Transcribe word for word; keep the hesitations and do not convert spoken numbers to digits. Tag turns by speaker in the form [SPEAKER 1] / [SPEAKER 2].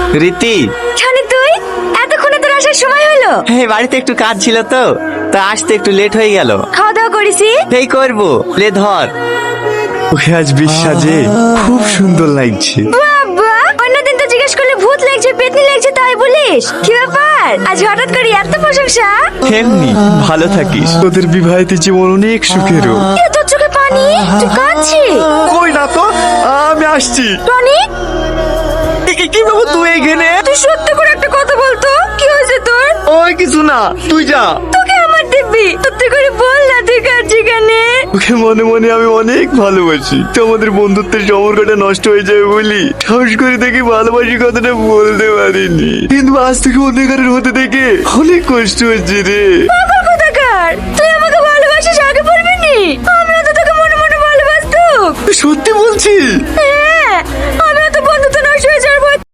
[SPEAKER 1] রীতি,
[SPEAKER 2] জানি তুই এতক্ষণে তোর আসার সময় হলো।
[SPEAKER 1] এই বাড়িতে একটু কাজ ছিল তো, তা আসতে একটু লেট হয়ে গেল।
[SPEAKER 2] খাওয়া দাওয়া করেছি?
[SPEAKER 1] এই করবো, লে ধর। ওকে আজ বিশ্বাসে খুব সুন্দর লাগছে।
[SPEAKER 2] বাবা, অন্যদিন তো জিজ্ঞেস করলে ভূত লাগছে, পেতনি লাগছে, তাই বলিস? কি ব্যাপার, আজ হঠাৎ করে এত প্রশংসা?
[SPEAKER 1] এমনি ভালো থাকিস, তোদের বিবাহিত জীবন অনেক সুখেরও।
[SPEAKER 2] এ তোর চোখে পানি, তুই কাঁদছিস?
[SPEAKER 1] কই না তো, আমি আসছি।
[SPEAKER 2] টনি,
[SPEAKER 1] কি- কি বাবু তুই এখানে?
[SPEAKER 2] তুই সত্যি করে একটা কথা বলতো, কি হয়েছে তোর?
[SPEAKER 1] ওই কিছু না, তুই যা।
[SPEAKER 2] তোকে আমার দিব্যি, সত্যি করে বল না তুই কাঁদছিস কেন?
[SPEAKER 1] ওকে মনে মনে আমি অনেক ভালোবাসি, তো আমাদের বন্ধুত্বের সম্পর্কটা নষ্ট হয়ে যাবে বলি সাহস করে দেখি ভালোবাসি কথাটা বলতে পারিনি, কিন্তু আজ থেকে অনেকারের হতে দেখে অনেক কষ্ট হচ্ছে রে।
[SPEAKER 2] পাগল কোথাকার, তুই আমাকে ভালোবাসিস আগে বলবি নি? আমিও তো তোকে মনে মনে ভালোবাসতুম।
[SPEAKER 1] সত্যি বলছি।
[SPEAKER 2] হ্যাঁ, আমিও তো বন্ধুত্ব নষ্ট হয়ে যাওয়ার ভয়